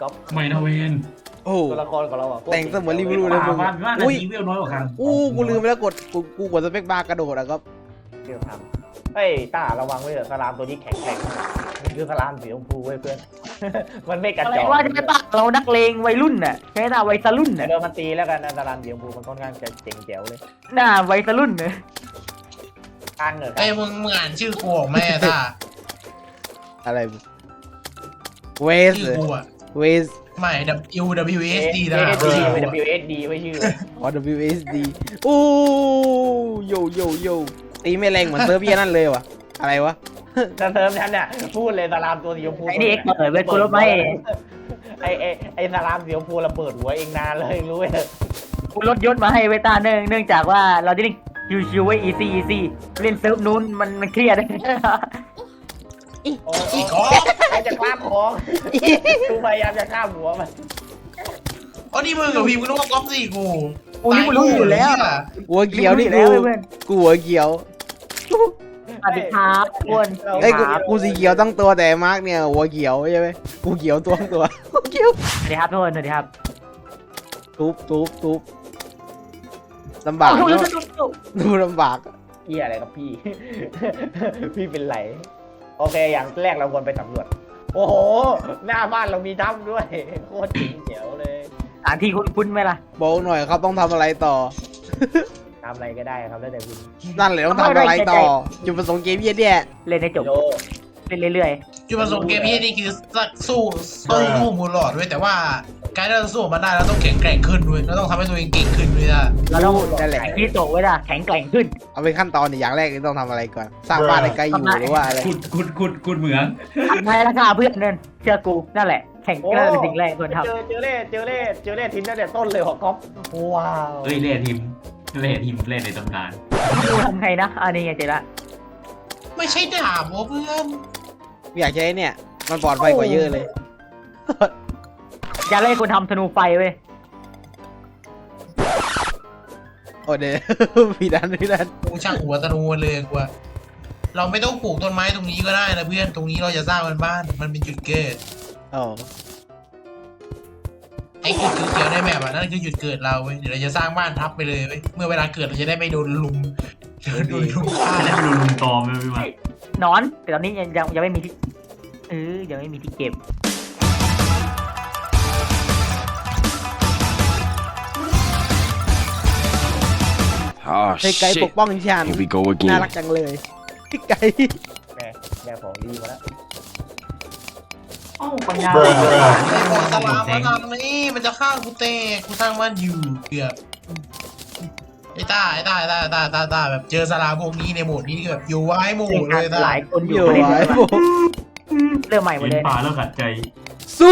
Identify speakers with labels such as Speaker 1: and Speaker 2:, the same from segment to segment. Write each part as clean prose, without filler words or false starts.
Speaker 1: ก๊อฟ
Speaker 2: ไม่นะเวน
Speaker 3: โอ้
Speaker 1: ตัวละครของเราอ่ะ
Speaker 3: แต่งเสมือนริวรูเลย
Speaker 2: ป่า
Speaker 3: มึง
Speaker 2: บ้านนาทีเวลน้อยกว่าครั้ง
Speaker 3: กูลืมไปแล้วกูกดสเปคบาร์กระโดดอะครับ
Speaker 1: เดี๋ยวทำเฮ้ยต้าระวังไว้เถอะสลามตัวนี้แข็งมันคือสลามสีชมพูเว้ยเพื่อน มันไม่กระ
Speaker 4: อะไร
Speaker 1: จอก
Speaker 4: ว่าจะไม่ปะเรานักเลงวัยรุ่นน่ะใช่ไหมวัยรุ่นน่ะ
Speaker 1: เดี๋ยวมันตีแล้วกันนะสลามสีชมพูมันค่อนข้างจะเจ๋งแจ๋วเลย
Speaker 4: หน้าวัยรุ่นน่ะ
Speaker 1: ข้างเหรอ
Speaker 5: ไอ้มึงอ่านชื่อกูออกไหมอะท่า
Speaker 3: อะไรเวส
Speaker 5: ชื่อกูอะ
Speaker 3: เวส
Speaker 5: ไม่ WWSD นะ
Speaker 1: WSD ไม่ WSD ไม่ชื่อ
Speaker 3: อ๋อ WSD โอ้โยโยโยตีไม่แรงเหมือนเซิร์ฟเวียนั่นเลยว่ะอะไรวะ
Speaker 1: จะเติมฉันเนี่ยพูดเลยสลามตัวสีชมพู
Speaker 4: ไอ้นี่เอ็กเปิดไว้กูรถไหม
Speaker 1: ไอ้สลามสีชมพูระเบิดหัวเองนานเลยรู้ไหม
Speaker 4: กูรถยศมาให้เวต้าเนื่องจากว่าเราจะเล่นชิวๆไว้ easy เล่นเซิร์ฟนู้นมันเครียด
Speaker 1: โอ้
Speaker 5: อีก
Speaker 1: โห
Speaker 5: อ๋อ
Speaker 1: ใครจะข้ามของกูพยายามจะข้ามหัวมัน
Speaker 5: อ๋อนี่มึงกับพี่มึงต้องมาก๊อปสิกู
Speaker 4: กูนี่กูรู้อยู่แล้ว
Speaker 3: หัวเขียวนี่
Speaker 4: แล้
Speaker 3: กู
Speaker 4: วเพื่อน
Speaker 3: กูหัวเขียว
Speaker 4: สวัสดีครับอ้วน
Speaker 3: เอ้ย
Speaker 4: ครับ
Speaker 3: กูสีเขียวตั้งตัวแต่มาร์กเนี่ยหัวเขียวใช่ไหมกูเขียวตัวหัวเขียว
Speaker 4: สวัสดีครับทุกคนสวัสดีครับ
Speaker 3: ทุบลำบากเนอะดูลำบาก
Speaker 1: เหี้ยอะไรครับพี่ พี่เป็นไรโอเคอย่างแรกเราควรไปสำรวจโอ้โหหน้าบ้านเรามีถ้ำด้วยโคตรจริงเจ๋วเลย
Speaker 4: สถานที่คุ้นๆไหมล่ะ
Speaker 3: บอกหน่อยครับต้องทำอะไรต่อ
Speaker 1: ทำอะไรก็ได้ครับแล้วแต่คุณ
Speaker 3: นั่นเลยต้องทำอะไรต่อจุดประสงค์เกมเยี่ยเนี่ย
Speaker 4: เล่นให้จบ
Speaker 1: โย
Speaker 4: เล่นเรื่อย
Speaker 5: จุดประสงค์เกมนี้นี่คือสู้มูลหลอดด้วยแต่ว่าการที่เราสู้มันได้เราต้องแข็งแกร่งขึ้นด้วยเราต้องทำให้ตัวเองเก่งขึ้นด้วยนะ
Speaker 4: ๆเราต้อง
Speaker 3: นั่นแหละ
Speaker 4: แข็งที่โตไว้ล่ะแข็งแกร่งขึ้น
Speaker 3: เอาเป็นขั้นตอนเนี่ยอย่างแรกนี่ต้องทำอะไรก่อน สร้างบ้านให้ใกล้อยู่หรือว่าอะไร
Speaker 2: ขุดเหมือง
Speaker 4: ทำให้ราคาเพื่อนเนินเชื่อกูนั่นแหละแข่งนั่นเป็นสิ่งแรกควรทำ
Speaker 1: เจอเล่ทิ้งตั้งแต่ต้นเลยเหรอก๊อฟว้าว
Speaker 2: เอ้ยเล่ทีมเล่ในตำนาน
Speaker 4: กูทำไงนะอันนี้ไงเจ๊ละ
Speaker 5: ไม่ใช่ดาบวะเพื่อน
Speaker 3: ไม่อยากใช้เนี่ย มันปลอดภัยกว่าเยอะเลย
Speaker 4: อย่าเล่นคนทำธนูไฟเว้ย
Speaker 3: โอ้เดี๋ยว พี่ดัน
Speaker 5: กูช่างหัวตะนูเลยกูว่าเราไม่ต้องปลูกต้นไม้ตรงนี้ก็ได้นะเพื่อนตรงนี้เราจะสร้างบ้านมันเป็นจุดเกิด
Speaker 3: อ๋อ
Speaker 5: ไอ้จุดเขียวๆในแมปอะนั่นคือจุดเกิดเราเว้ยเดี๋ยวเราจะสร้างบ้านทับไปเลยเว้ยเมื่อเวลาเกิดเราจะได้ไม่โดนลุมฆ่า
Speaker 2: จะได้ไปดูลุงตอมไม่มา
Speaker 4: นอนแต่ตอนนี้ยังไม่มีที่ยังไม่มีที่เก็บ
Speaker 6: Oh
Speaker 3: ให้ไก่ป
Speaker 6: shit.
Speaker 3: กป้องฉัน
Speaker 6: Here we go
Speaker 3: น่า
Speaker 6: again.
Speaker 3: รักจังเลยไก่
Speaker 1: แม่ของดีมาแล้ว
Speaker 4: อ้าวปัญญา
Speaker 5: ไอ้บอลสลามมาทำนี่มันจะฆ่ากูเตะกูสร้างบ้านอยู่เกือบไอ้ต้าแบบเจอสลามพวกนี้ในโหมดนี้คือแบบอยู่ไว้หมู่เลยต้า
Speaker 4: หลายคนอ
Speaker 3: อยู่ ยู่
Speaker 4: ประเด็น
Speaker 3: ไว้
Speaker 4: เริ่ม
Speaker 3: ผม
Speaker 4: เริ่มใหม่หมด
Speaker 2: เห็น
Speaker 4: เลย
Speaker 2: ป่าแล้วขัดใจ
Speaker 3: สู้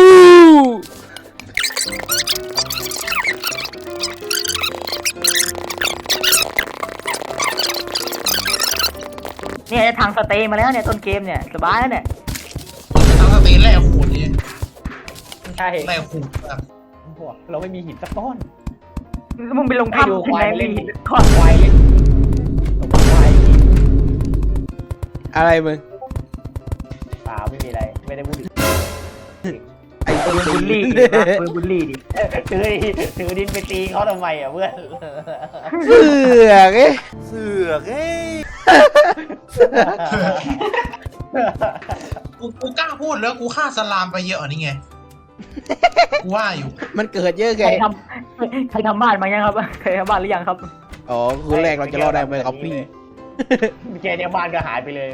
Speaker 4: เนี่ยทางสเตย์มาแล้วเนี่ยต้นเกมเนี่ยสบายแล้วเนี่ย
Speaker 5: ทั้งสเตนแรกขูดนี่
Speaker 1: ใช่
Speaker 5: แรกขูดแบบ
Speaker 1: เราไม่มีหินสักก้อน
Speaker 4: มึงไปลง
Speaker 1: ให้ดู
Speaker 4: ถ้ำ
Speaker 1: ควาย
Speaker 4: ไหน
Speaker 1: เล่น
Speaker 4: มีข้อ
Speaker 1: ควายเล่นควาย
Speaker 3: อะไรมึง
Speaker 1: เปล่าไม่มีอะไรไม่ได้พูดถึง
Speaker 3: ไอ้ตัว
Speaker 4: บุลลี่
Speaker 3: ดิ
Speaker 4: ปืนบุลลี่ดิ
Speaker 1: ถือดินไปตีเขาทำไมอ่ะเพื่อน
Speaker 3: เสือกเอ้ย
Speaker 5: กูกล้าพูดแล้วกูฆ่าสลามไปเยอะนี่ไงกูว่าอยู่
Speaker 3: มันเกิดเยอะไง
Speaker 4: ใครทำบ้านมายังครับใครทำบ้านหรือยังครับ
Speaker 3: อ๋อคือแรกเราจะรอดได้ไหมครับพี่
Speaker 1: แกเนี่ยบ้านก็หายไปเลย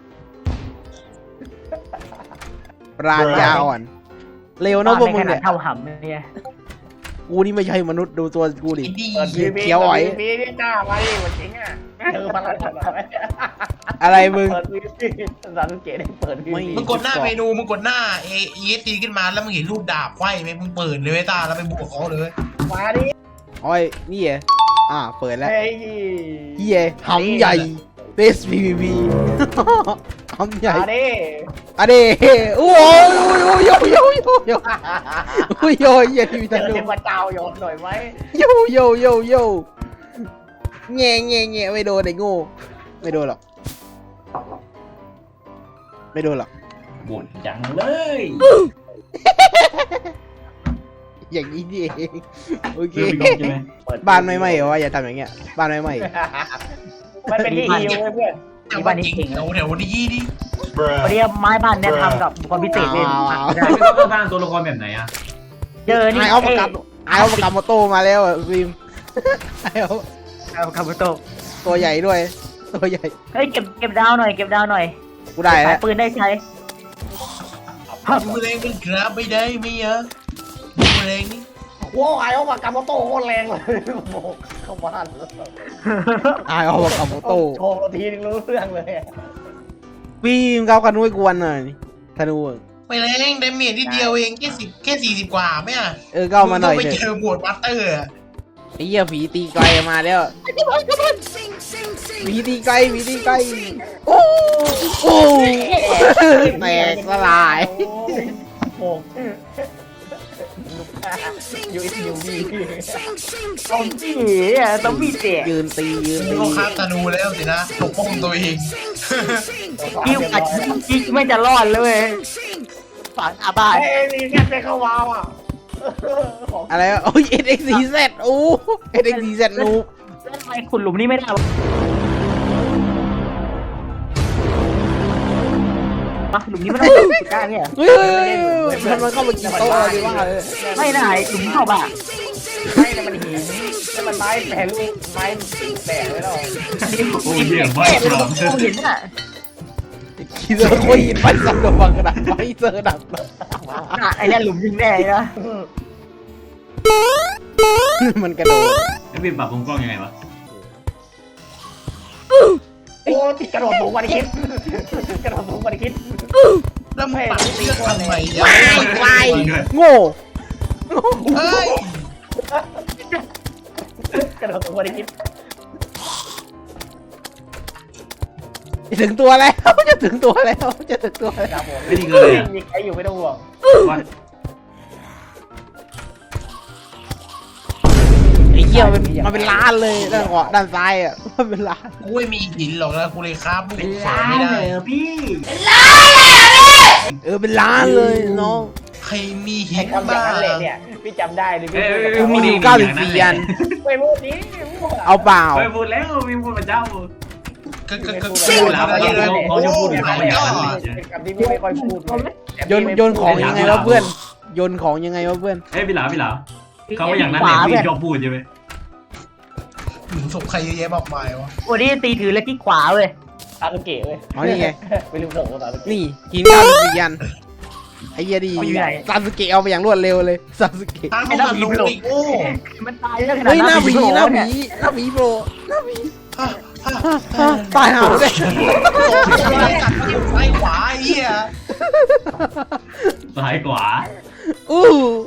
Speaker 3: ปราณยาอ่อน เร็วนะพวกมึง
Speaker 4: บ้า
Speaker 3: เนี่ย
Speaker 4: ใขนาดเท่าหำเนี่ย
Speaker 3: กูนี่ไม่ใช่มนุษย์ดูตัวกูดิ
Speaker 5: ไอ้ดี
Speaker 1: เปิด
Speaker 3: เขียวไหว
Speaker 1: พี่นี่จ้ามาดิมันจริงอ่ะเจอมาแล้ว
Speaker 3: อะไรมึง
Speaker 1: เปิดวีพีสังเกตได้เปิดวี
Speaker 3: ไม่
Speaker 1: พี
Speaker 5: มึงกดหน้าเมนูมึงกดหน้าESC ขึ้นมาแล้วมึงเห็นรูปดาบไขว้ไหมมึงเปิดเลยเว้ยตาแล้วไปบวกเขาเลย
Speaker 1: มาดิ
Speaker 3: อ้อยนี่เหรอเปิดแล้ว
Speaker 1: เฮ้ย
Speaker 3: เฮียหำใหญ่เบสพีพี หำใหญ่
Speaker 1: มาดิ
Speaker 3: อะเดโอ้ยโอ้ยโยโยโยโยโอ้ยโยเฮียพี่
Speaker 1: เจ
Speaker 3: ตา
Speaker 1: อ
Speaker 3: ดู
Speaker 1: เทพเจ้าโยนหน่อยไหม
Speaker 3: โยโยโยโยแง่แง่แง่ไม่โดนไอ้โง่ไม่โดนหรอกไม่โดนหรอก
Speaker 2: บ่นจังเลย
Speaker 3: อย่างนี้นี่เองโอเค
Speaker 2: เพื่อนพี่กบใช่ไหม
Speaker 1: เปิด
Speaker 3: บ้านไม่ไหม้เหรอวะอย่าทำอย่างเงี้ยบ้านไม่ไหม้
Speaker 1: มันเป็นที่ฮิวเว้ยเพื่อน
Speaker 5: แต่ว่าจริงแถวนี้ดิ
Speaker 4: วันนี้ไม้บ้านแนะนำกับความพิเศษเลย
Speaker 2: พี่กบต้องสร้างตัวละครแบบไหนอ่ะ
Speaker 4: เจอนี่
Speaker 3: ไอเอาประกับไอเอาประกับมอโต้มาแล้วอ่ะฟิล์มไอเอา
Speaker 4: เอาคาบุโตะ
Speaker 3: ตัวใหญ่ด้วยตัวใหญ่
Speaker 4: เฮ้ยเก็บดาวหน่อยเก็บดาวหน่อย
Speaker 3: กูได้
Speaker 4: สา
Speaker 3: แล้
Speaker 4: ยว ปืนได้ใช้
Speaker 5: มือแรงเป็นกราบไม่ได้ไม่เยอะมือแรงนี่
Speaker 1: โว้ไอ้ออกมากาโมโต้โคตรแรงเลยโบกเข้าบ้านเลย
Speaker 3: ไอเอาประกับมอโต้
Speaker 1: โชว์ทีนึงรู้เรื่องเลย
Speaker 3: ฟิล์มเขากันด้วยกวนหน่อยธนูอะ
Speaker 5: ไม่แรงเดเมจนิดเดียวเองแค่40กว่าไม่อ่ะ
Speaker 3: ก็เอามาหน่อย
Speaker 5: ไป
Speaker 3: เถ
Speaker 5: เจ
Speaker 3: อะ
Speaker 5: อหมวดบัตเตอร์อะ
Speaker 3: ไอ้เหี้ยผีตีไกลมาแล้วผีตีไกลผีตีไกลโอ้โหแตกสลาย
Speaker 1: โบกยูอิสยูบี
Speaker 4: ต้องจี้ต้องมีเตะ
Speaker 3: ยืนตียืน
Speaker 5: มึง
Speaker 3: ตี
Speaker 5: ก็คาบธนูแล้วสินะปกป้องตัวเอง
Speaker 4: กิ้วกัดกิ้วไม่จะรอดเลยเว้ยฝังอาบ้าน
Speaker 1: เอ้ยมีแค่ไปเข้าวาวอ่ะ
Speaker 3: อะไรวะโอ้ย SXZ โอ้ SXZ นูบ
Speaker 4: แล้วทำไมขุดหลุมนี้ไม่ได้วะหลุมนี้ไม่ต้องขุดได้เนี่ย
Speaker 3: เฮ้ยมันเข้ามากินโต๊ะอะไรดีวะ
Speaker 4: ไม่ได้หลุมเข้าบ้า
Speaker 1: ไม่แต่มันหินแต่มันไม้แปรรูปไม้แตกไว้แล้ว
Speaker 2: โอ้ยเยี่ยมมาก
Speaker 4: แก้
Speaker 2: ครับ
Speaker 4: เห็นอ่ะ
Speaker 3: คิดว่าโคยินไปสักบังกระดาษไปเจอดับ
Speaker 4: ไอ้เนี่ยหลุมยิงแน่นะ
Speaker 3: มันกระโดด
Speaker 2: แล้วพี่ปรับมุมกล้องยังไงวะ
Speaker 1: โอ้ที่กระโดดสูงกว่าที่คิดกระโดดสูงกว่าที่คิด
Speaker 5: แล้วมึงปัดเลือดทำไมอ่ะ
Speaker 3: ไกลโง่
Speaker 5: เฮ้ย
Speaker 1: กระโดดสูงกว่าที่คิด
Speaker 3: ถึงตัวแล้วจะถึงตัวแล้วจะถึงตัวแล้ว
Speaker 1: ครับผม
Speaker 2: ไม่ดีเกินเลย
Speaker 1: มีใครอยู่ไม่ต้องห่วง
Speaker 2: ว่า
Speaker 3: ไอ้เหี้ยมันเป็นล้านเลยด้านขวาด้านซ้ายอ่ะมันเป็นล้าน
Speaker 5: กูไม่มีหินหรอกนะกูเลยคาบลูกศรไม่ได้
Speaker 2: พี่
Speaker 3: เป็นล้านเลยน้อง
Speaker 5: ใครมีหิ
Speaker 1: ไอ้
Speaker 5: น
Speaker 1: คำอย่า
Speaker 5: บ้าง
Speaker 1: นั้นเลยเนี่ยพี่จำได้เลยพี่
Speaker 3: มีอยู่94อัน
Speaker 1: ไม่พูดนี้
Speaker 3: เอาเปล่า
Speaker 2: ไปพูดแล้วมีพูดมาเจ้า
Speaker 5: ก็
Speaker 2: เขาจะพูดถึงเขาอย่างนั้นเลย
Speaker 1: คำที่พี่ไม่ค่อยพูด
Speaker 3: โยนของยังไงวะเพื่อนโยนของยังไงวะเพื่อน
Speaker 2: เฮ้ยพี่หลาเขาว่าอย่างนั้นแหละพี่ชอบพูดใช่ไหม
Speaker 5: หลุมศพใครเยอะแยะมากมายวะ
Speaker 4: วันนี้ตีถือแล้วที่ขวาเว้ย
Speaker 1: ตาตุเกะเว้ย
Speaker 3: อ๋อนี่ไง
Speaker 1: ไปลืมส่งตาตุเกะ
Speaker 3: นี่กิน94อันไอ้เหี้ยดีซาสึเกะเอาไปอย่างรวดเร็วเลยซาสึเกะ
Speaker 5: ตั้งแต่ลงอีกโอ้
Speaker 4: มันตายเยอะขนาด
Speaker 3: เฮ้ยหน้า
Speaker 4: ผี
Speaker 3: ผีหน้า
Speaker 4: เนี่ย
Speaker 3: ผีหน้าผีโปรหน้าผี
Speaker 5: ฮ่า
Speaker 3: ตายหาเลย
Speaker 5: กัดที่ซ้ายขวาไอ้เหี้ย
Speaker 2: ซ้ายขวา
Speaker 3: อู้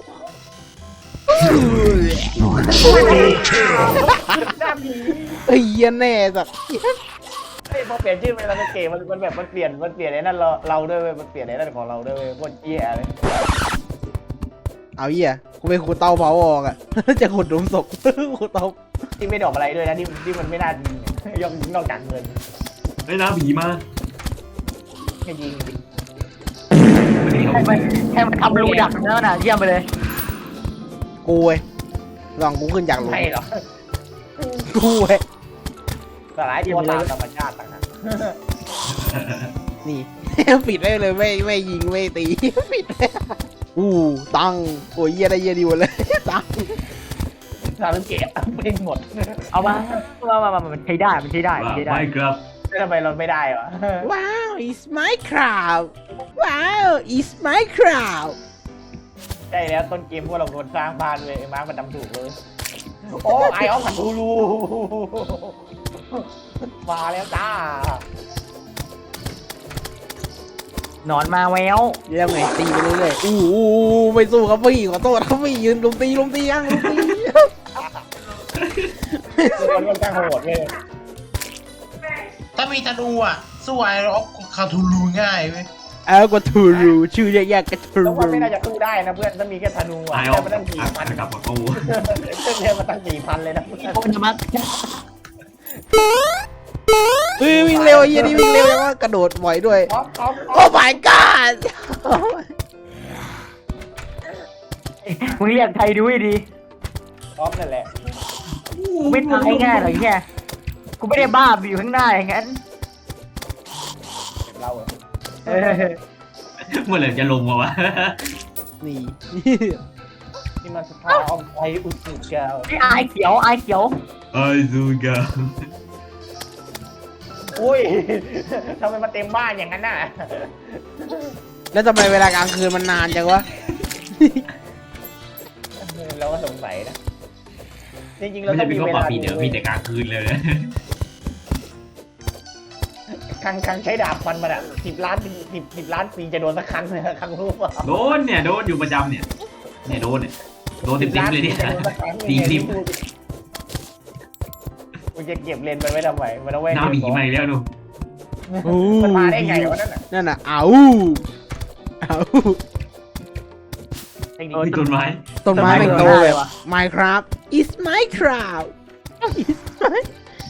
Speaker 1: หน้าผี
Speaker 3: ไอ้เหี้ยแน่สัตว์
Speaker 1: ไอ้พอเปลี่ยนชื่อเป็นตาตุเกะมันแบบมันเปลี่ยนไอ้นั่นเราด้วยเว้ยมันเปลี่ยนไอ้นั่นของเราด้วยเว้ยโคตรเหี้ยเลย
Speaker 3: เอาเหี้ยกูไปขุดเตาเผาออกอ่ะ จะขุดหลุมศพขุดเตา
Speaker 1: ที่ไม่ดอกอะไรด้วยนะที่มันไม่น่ายิงยอมนอกจากเงิน
Speaker 2: เฮ้ยน้าผีมา
Speaker 1: แค่ยิงดิ
Speaker 4: ให้มันทำรูดักแล้วน่ะเยี่ยมไปเลย
Speaker 3: กูเว้ยลองกูขึ้นจากหลุม
Speaker 1: ไม่หรอก
Speaker 3: กูเว้ย
Speaker 1: สลายตัวตามธรรมชาติต่างหาก
Speaker 3: นี่ ปิดได้เลยไม่ยิงไม่ตี ปิดเลยตังโอ้ยเหี้ยได้เหี้ยดีหมดเลย ตัง
Speaker 1: ตาตุเกะไม่หมด
Speaker 4: เอามามันใช้ได้มันใช้ได้มันใช้ได้
Speaker 2: ไม่ครับ
Speaker 1: ทำไมเราไม่ได้วะ
Speaker 3: ว้าว it's my crowd ว้าว it's my crowd
Speaker 1: ใช่แล้วต้นเกมพวกเราคนสร้างบ้านเลยไอ้มาร์คมันทำถูกเลยโอ้ไอออฟขันทูรูมาแล้วจ้าน
Speaker 4: อนมาแวว
Speaker 3: เรื่องไงตีไปเรื่อยๆไม่สู้ครับพี่ขอโทษครับพี่ยืนลุมตียังลุมตี
Speaker 1: มันค่อนข้างโหดเลย
Speaker 5: ถ้ามีธนูอ่ะสู้ไอ้ร็อกคาทูลูง่ายเว้ย
Speaker 3: กว่าทูรูชื่อแยกๆกับทู
Speaker 1: แล้ว
Speaker 3: รู
Speaker 1: ว่าไม่น่าจะสู้ได้นะเพื่อนถ้ามีแค่ธนูอ่ะ
Speaker 2: ตายอ
Speaker 1: แต่
Speaker 2: อก
Speaker 1: มันตั้ง4,000
Speaker 2: กลับมากู
Speaker 1: เรื่องมันตั้ง4,000เลยนะ
Speaker 4: โอ้ยมัก
Speaker 3: วิ่งเร็วไอ้เหี้ยนี่วิ่งเร็วยังว่ากระโดดบ่อยด้วย
Speaker 1: พร้อม
Speaker 3: โอ้ my god
Speaker 1: ไอ้
Speaker 4: มึงเรียกไทยดูให้ดี
Speaker 1: ออฟนั่นแหละ
Speaker 4: กูไม่ตายง่ายหรอกเนี่ยกูไม่ได้บ้าไปอยู่ข้างหน้าอย่างนั้น
Speaker 1: เราอะ
Speaker 4: เออ
Speaker 2: เมื่อไหร่จะลงมาวะ
Speaker 3: นี่
Speaker 1: นี่มันสภาพไออุสุเกา
Speaker 4: ไอ้อายเขียวอายเขียว
Speaker 2: ไอ้ซูกา
Speaker 1: อุ้ยทำไมมันเต็มบ้านอย่างนั้นน่ะ
Speaker 3: แล้วทำไมเวลากลางคืนมันนานจังวะ
Speaker 1: เราก็สงสัยนะจริงๆเรา
Speaker 2: ไม่
Speaker 1: ต้
Speaker 2: ได้
Speaker 1: อง
Speaker 2: เป็น
Speaker 1: มี
Speaker 2: ข้อ
Speaker 1: เว
Speaker 2: ปรับ
Speaker 1: ลา
Speaker 2: ปีเดี๋ยวมีแต่กลางคืนเลยนะ
Speaker 1: ครั้งใช้ดาบฟันมันอ่ะ10 ล้านปี10 ล้านปีจะโดนสักครั้งเลยครั้งรู้ป่ะ
Speaker 2: โดนเนี่ยโดนอยู่ประจำเนี่ยโดนเนี่ยโดนติดๆเลยเนี่ยตีทิม
Speaker 1: มึงจะเก็บเลนมันไว้ทำไมมันเอาไว้
Speaker 2: น้าหมีมาอีกแล้วดู
Speaker 1: มันมาได้ไงวะนั่นน่ะ
Speaker 3: นั่นน่ะเอาเอา
Speaker 1: เทคนิค
Speaker 2: ที่ต้นไม้
Speaker 3: ต้นไม้เป็นโตแบบ
Speaker 4: ว่ะ
Speaker 3: Minecraft is Minecraft is my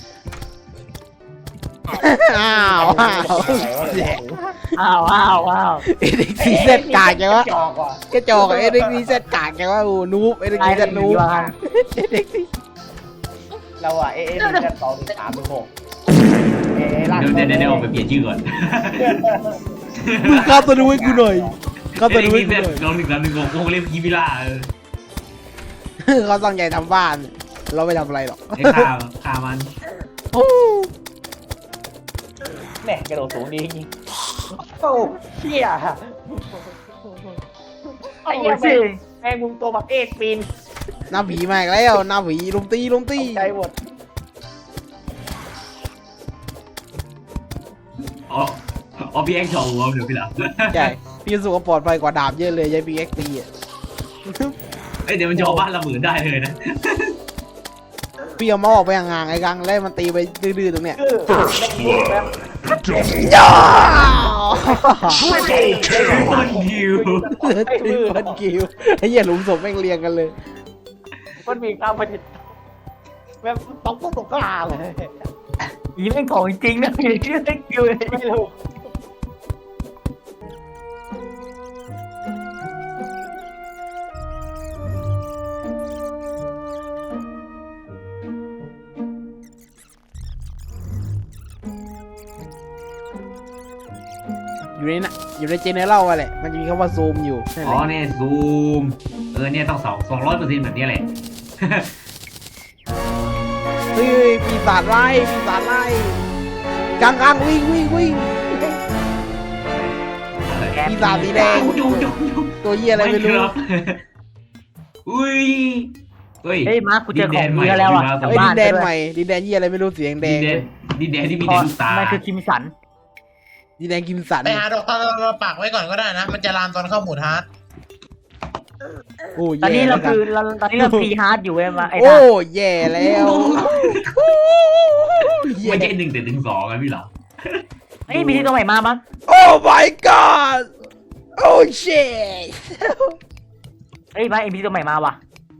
Speaker 3: อ้าวอ้าวแย่
Speaker 4: อ้าวอ้าวอ้าว
Speaker 3: เอ็กซีเซตกากจังวะ
Speaker 1: จอกว่ะ
Speaker 3: กระจอกเอ็กซีเซตกากจังวะโอ้นูบเอ็กซีเซตนูบเอ็กซี
Speaker 1: เราอ่ะเอจะ2 3 6ลาก
Speaker 2: เดี๋ยวออกไปเปลี่ยนชื่อก่อน
Speaker 3: มึงเข้าตัวนูให้กูหน่อยเข้าตัวนูให้กูหน่อย
Speaker 2: ลอง1 3 1 6คงเล่นยีวิล่า
Speaker 3: เขาตั้งใจทำบ้าน เราไม่ทำอะไรหรอก
Speaker 2: ไอ้ฆ่ามัน
Speaker 3: โอ้
Speaker 1: แม่กระโดดสูงดีจริงโอ้เชี่ย
Speaker 4: โอ้ยสิ
Speaker 1: แม่งมุงตัวบักเอสปีน
Speaker 3: หน้าผีมาอีกแล้วหน้าผีลุมตีลุมตี
Speaker 1: ใจหมด
Speaker 2: อ๋อพี่แอ็กซ์โชว์เดี๋ยวพี่หลับ
Speaker 3: ใช่พี่รู้สึกว่าปลอดภัยกว่าดาบเยอะเลยยายพีเอ็กตีอ่ะ
Speaker 2: เดี๋ยวมันจะเอาบ้านละหมื่นได้เลยนะ
Speaker 3: พี่เอามาออกไปห่างๆไอ้กังแล้วมันตีไปดื้อๆตรงเนี้ย
Speaker 1: คือแม่งมุงแบบ
Speaker 3: ย่า
Speaker 2: คนยิว
Speaker 3: ตีพันกิวไอ้เหี้ยหลุมศพแม่งเรียงกันเลย
Speaker 1: มันมีความประดิษฐ์แบบตกกลางเลย
Speaker 4: อีแม่งของจริงนะพี่ชื่อเล็กอยู่เลย
Speaker 1: ไม่รู้
Speaker 3: อยู่ในเจเนอเรลอะแหละมันจะมีคำว่าซูมอยู่นั่น
Speaker 2: อ๋
Speaker 3: แห
Speaker 2: อ
Speaker 3: ละ
Speaker 2: เนี่ยซูมเนี่ยต้อง200%แบบนี้แหละ
Speaker 3: เฮ้ยปีศาจไล่กังวิ่งปีศาจสีแดง
Speaker 2: จุ๊
Speaker 3: ตัวเหี้ยอะไรไม่รู้
Speaker 2: อุ้ยเฮ้ย
Speaker 4: เฮ้ยมาร์คกูเจอของดีแล้วอ่ะ
Speaker 3: เฮ้ยดินแดนใหม่ดินแดนเหี้ยอะไรไม่รู้สีแดง
Speaker 2: ดินแดนที่มีแต่ลูกตา
Speaker 4: มันคือคิมสัน
Speaker 3: ดินแดนกิมสัน
Speaker 5: ไปหาดอกตาลมาปักไว้ก่อนก็ได้นะ มันจะลามตอนเข้าโหมดฮาร์ด
Speaker 3: โอ้
Speaker 4: ตอนนี้
Speaker 3: แย่
Speaker 4: เรา
Speaker 3: แล้ว
Speaker 4: คือตอนนี้เราพีฮาร์ดอยู่เว้ยมาไอ้
Speaker 3: โอ้
Speaker 4: ท่า
Speaker 3: แย่แล้วแย่
Speaker 2: ไม่ใช่1 แต่ถึง 2อะพี่หลับ
Speaker 4: เฮ้ยมีที่ตัวใหม่มามั้ง
Speaker 3: โอ้ my god โอ้ shit
Speaker 4: เฮ้ยมาเอ็มพีตัวใหม่มาว่ะ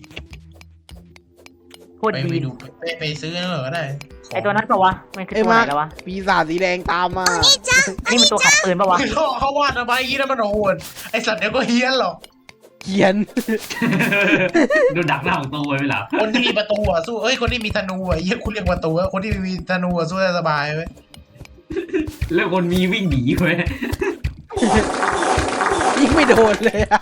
Speaker 4: โคตร
Speaker 5: ไป
Speaker 4: ดี
Speaker 5: ดูไปซื้อนั่นก็ได้
Speaker 4: ไอ้ตัวนั้นปะวะมันคือ
Speaker 3: ไอ้
Speaker 4: ตัวไห
Speaker 3: มาน
Speaker 4: แล้ววะ
Speaker 3: ปีศาจสีแดงตามมา
Speaker 4: นี่มันตัวขัดปืนปะวะ
Speaker 5: เขาวาดเอาไว้ยี่นั่นมันโหดไอสัตว์เดี๋ยวก็เฮี้ยนหรอก
Speaker 3: เขียน
Speaker 2: ดูดักหน้าของตัวไว้พี่หลับ
Speaker 5: คนที่มีประตูอะสู้เอ้ยคนที่มีธนูอะเฮี้ยคุณเรียกประตูอะคนที่มีธนูอะสู้ได้สบายเว้ย
Speaker 2: แล้วคนมีวิ่งหนีเว้ย
Speaker 3: ยิงไม่โดนเลยอะ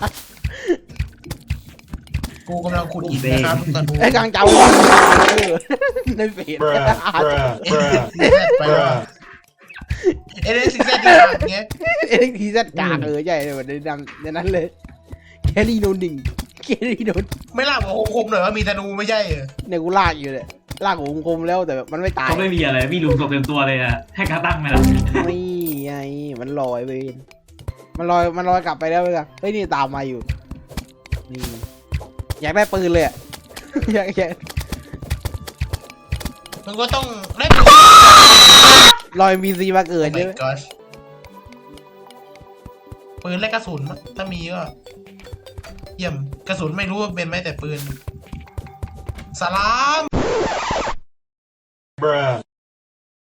Speaker 5: กูกำลังขุดหินนะครับลูกธนู
Speaker 3: ไอ้กลางเจ้าในเฟซ
Speaker 5: ไปแล้วเอเดนซิเซตที่ห่างเงี้ย
Speaker 3: เอ็กทีซัดกากใหญ่เลยในนั้นเลยแคลรี่โนหนึ่งแคลรี่โน
Speaker 5: ไม่ลากหัวคมหน่อยว่ามีธนูไม่ใช่เหรอ
Speaker 3: เนี่ยกูลากอยู่เลยลากหัวคมแล้วแต่แบบมันไม่ตาย
Speaker 2: เขาไม่มีอะไรมีหลุมศพเต็มตัวเลยอะให้กระตั้งไหมล่ะ
Speaker 3: ไม่ไงมันลอยไปมันลอยกลับไปแล้วเลยเฮ้ยนี่ตามมาอยู่นี่อยากได้ปืนเลยอะ อยาก
Speaker 5: มึงก็ต้องได้
Speaker 3: ลอยมีซีมาเกิด
Speaker 5: โอ้
Speaker 3: ใช่
Speaker 5: my
Speaker 3: ไหม
Speaker 5: gosh ปืนและกระสุนมั้งถ้ามีก็เยี่ยมกระสุนไม่รู้ว่าเป็นไหมแต่ปืนสลาม